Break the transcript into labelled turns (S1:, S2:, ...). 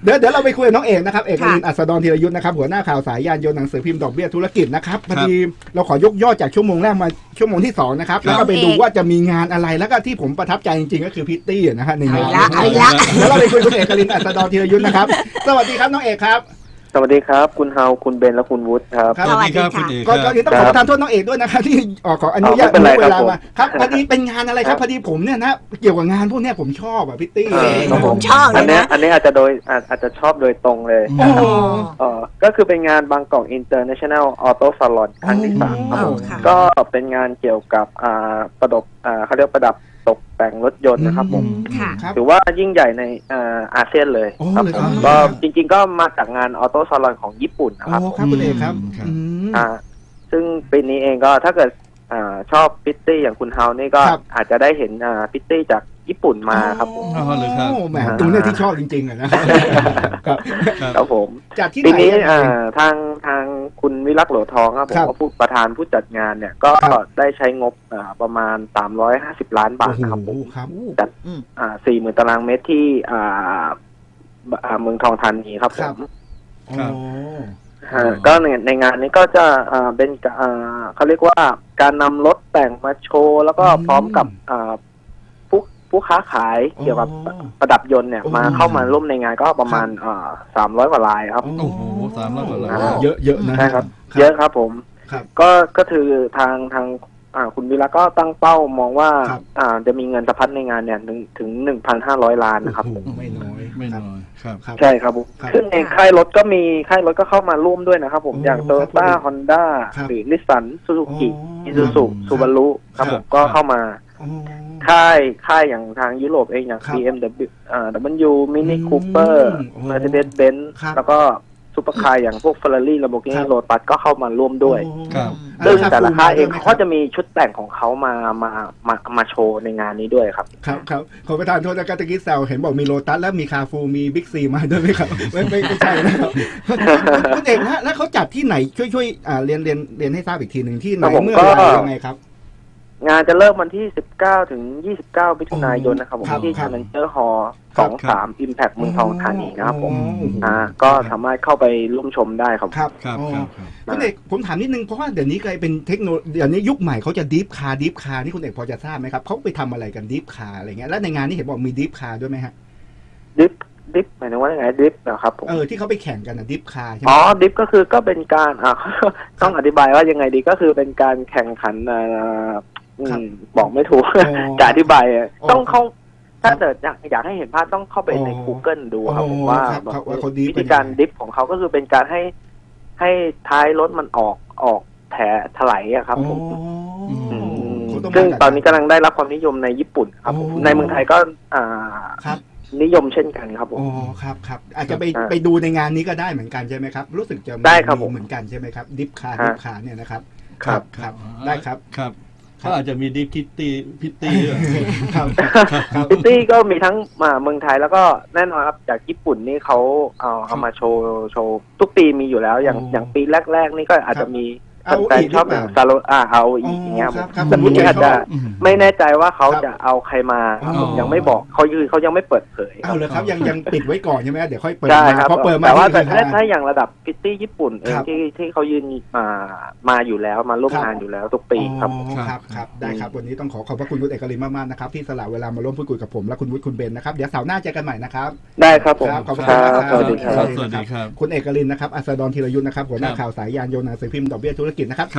S1: เดี๋ยวเราไปคุยกับน้องเอกนะครับเอกลินอัศดรธีรยุทธ์นะครับหัวหน้าข่าวสายยานยนต์หนังสือพิมพ์ดอกเบี้ยธุรกิจนะครับพอดีเราขอยกยอดจากชั่วโมงแรกมาชั่วโมงที่2นะครับแล้วก็ไปดูว่าจะมีงานอะไรแล้วก็ที่ผมประทับใจจริงๆก็คือพิตตี้นะฮะในงานแล้วเราไปคุยกับคุณเอกลินอัศดรธีรยุทธ์นะครับสวัสดีครับน้องเอกครับ
S2: สวัสดีครับคุณเฮาคุณเบนและคุณวุฒิครับ
S3: สวัสดีครับคุณเอก
S1: ก็ต้องขอประทานโทษน้องเอกด้วยนะครับที่ขออนุญาตเวลามาครับพอดีเป็นงานอะไรครับพอดีผมเนี่ยนะเกี่ยวกับงานพวกนี้ผมชอบพิตตี้
S3: ผมชอบเลยนะ
S2: อันนี้อาจจะชอบโดยตรงเลยก็คือเป็นงานบางกอก International Auto Salon ครั้งที่3ครับผมก็เป็นงานเกี่ยวกับเขาเรียกประดับตกแต่งรถยนต์นะครับผมถือว่ายิ่งใหญ่ในอาเซียนเลยครับผมก็จริงๆก็มาจากงานออโต้ซาลอนของญี่ปุ่นนะครับ
S1: ครับคุณเอกครับ
S2: ซึ่งปีนี้เองก็ถ้าเกิดชอบพิตตี้อย่างคุณเฮานี่ก็อาจจะได้เห็นพิตตี้จากญี่ปุ่นมาครับผม
S1: แหมตรงนี้ที่ชอบจริงๆเลย
S2: นะครับผม
S1: จากที่
S2: ปีนี้ทางคุณวิรักษ์โหลทองครับผมก็ประธานผู้จัดงานเนี่ยก็ได้ใช้งบประมาณ350 ล้านบาทนะครับจัด40,000 ตารางเมตรที่เมืองทองธานีครับผมก็ในงานนี้ก็จะเป็นเขาเรียกว่าการนำรถแต่งมาโชว์แล้วก็พร้อมกับผู้ค้าขายเกี่ยวกับประดับยนต์เนี่ยมาเข้ามาร่วมในงานก็ประมาณ300 กว่ารายครับ
S3: โอ้โห300 กว่าราย
S1: เยอะนะ
S2: ใช่ครับเยอะครับผมก็คือทางคุณวิระก็ตั้งเป้ามองว่าจะมีเงินสะพัดในงานเนี่ยถึง 1,500 ล้านนะครับผม
S3: ไม่น้อยครับ
S2: ใช่ครับผมซึ่งเองค่ายรถก็เข้ามาร่วมด้วยนะครับผมอย่าง Toyota Honda หรือ Nissan Suzuki Isuzu Subaru ครับผมก็เข้ามาค่ายอย่างทางยุโรปเองอย่าง BMW Mini Cooper Mercedes-Benz แล้วก็ซุปเปอร์คาร์อย่างพวก Ferrari Lamborghini Lotus ก็เข้ามาร่วมด้วยซึ่งแต่ละค่ายเองเขาจะมีชุดแต่งของเขามาโชว์ในงานนี้ด้วยครับ
S1: ครับขอประทานโทษนะครับตะกี้แซวเห็นบอกมีโลตัสแล้วมีคาฟูมีบิ๊กซีมาด้วยไหมครับไม่ใช่นะครับคุณเอกนะแล้วเขาจัดที่ไหนช่วยเรียนให้ทราบอีกทีหนึ่งที่ไหนเมื่อไหร่ยังไงครับ
S2: งานจะเริ่มวันที่19 ถึง 29 มิถุนายนนะครับผมที่ Challenger Hall 23 Impact เมืองทองธานีนะครับผมก็สามารถเข้าไปร่วมชมได้ครับ
S1: คุณเอกผมถามนิดนึงเพราะว่าเดี๋ยวนี้กลายเป็นเทคโนโลยีเดี๋ยวนี้ยุคใหม่เขาจะดิฟคาร์นี่คุณเอกพอจะทราบไหมครับเขาไปทำอะไรกันดิฟคาร์อะไรเงี้ยแล้วในงานนี้เห็นบอกมีดิฟคาร์ด้วยไหมฮะ
S2: ดิฟหมายถึงว่าไงดิฟนะครับผม
S1: ที่เขาไปแข่งกันดิฟคาร์ใช่ไหม
S2: ดิฟก็คือก็เป็นการต้องอธิบายว่ายังไงดีก็คือเป็นการแข่งขันบอกไม่ถูกจะอธิบายต้องเข้าถ้าเกิดอยากให้เห็นภาพต้องเข้าไปใน Google ดูครับผมว่าวิธีการดิฟของเขาก็คือเป็นการให้ท้ายรถมันออกแผลถลายครับผมซึ่งตอนนี้กำลังได้รับความนิยมในญี่ปุ่นครับผมในเมืองไทยก็นิยมเช่นกันครับผม
S1: ครับอาจจะไปดูในงานนี้ก็ได้เหมือนกันใช่ไหมครับรู้สึกจะ
S2: ได้ครับผม
S1: เหมือนกันใช่ไหมครับดิฟคาร์เนี่ยนะครับ
S2: ครับ
S1: ได้ครับ
S3: เขาอาจจะมีดิฟพิตตี้พิต
S2: ตี้ก็มีทั้งเมืองไทยแล้วก็แน่นอนครับจากญี่ปุ่นนี่เขาเอามาโชว์ทุกปีมีอยู่แล้วอย่างปีแรกๆนี่ก็อาจจะมีแต่ชอบอย่างซาโลเอาอีกอย่างเงี้ยแต่ทีนี้อาจจะไม่แน่ใจว่าเขาจะเอาใครมายังไม่บอกเขายังไม่เปิดเผย
S1: เอาเลยครับยังปิดไว้ก่อนใช่ไหมเดี๋ยวค่อยเปิด
S2: พอเปิดมาแต่ว่าถ้าอย่างระดับพิตตี้ญี่ปุ่นที่เขายืนมาอยู่แล้วมาร่วมงานอยู่แล้วทุกปีครับ
S1: ได้ครับวันนี้ต้องขอบพระคุณคุณเอกลินมากๆนะครับที่สละเวลามาร่วมพูดคุยกับผมและคุณวุฒิคุณเบนนะครับเดี๋ยวเสาร์หน้าเจอกันใหม่นะครับ
S2: ได้ครับผม
S1: ขอบคุณครับ
S3: สวัสดีครับ
S1: คุณเอกลินนะครับอัศดรธีรยุทธ์นะครับหัวหน้าข่าวสายยานยนต์หนังสือพิมพ์ดอกเบี้ยธุรกิจนะครับ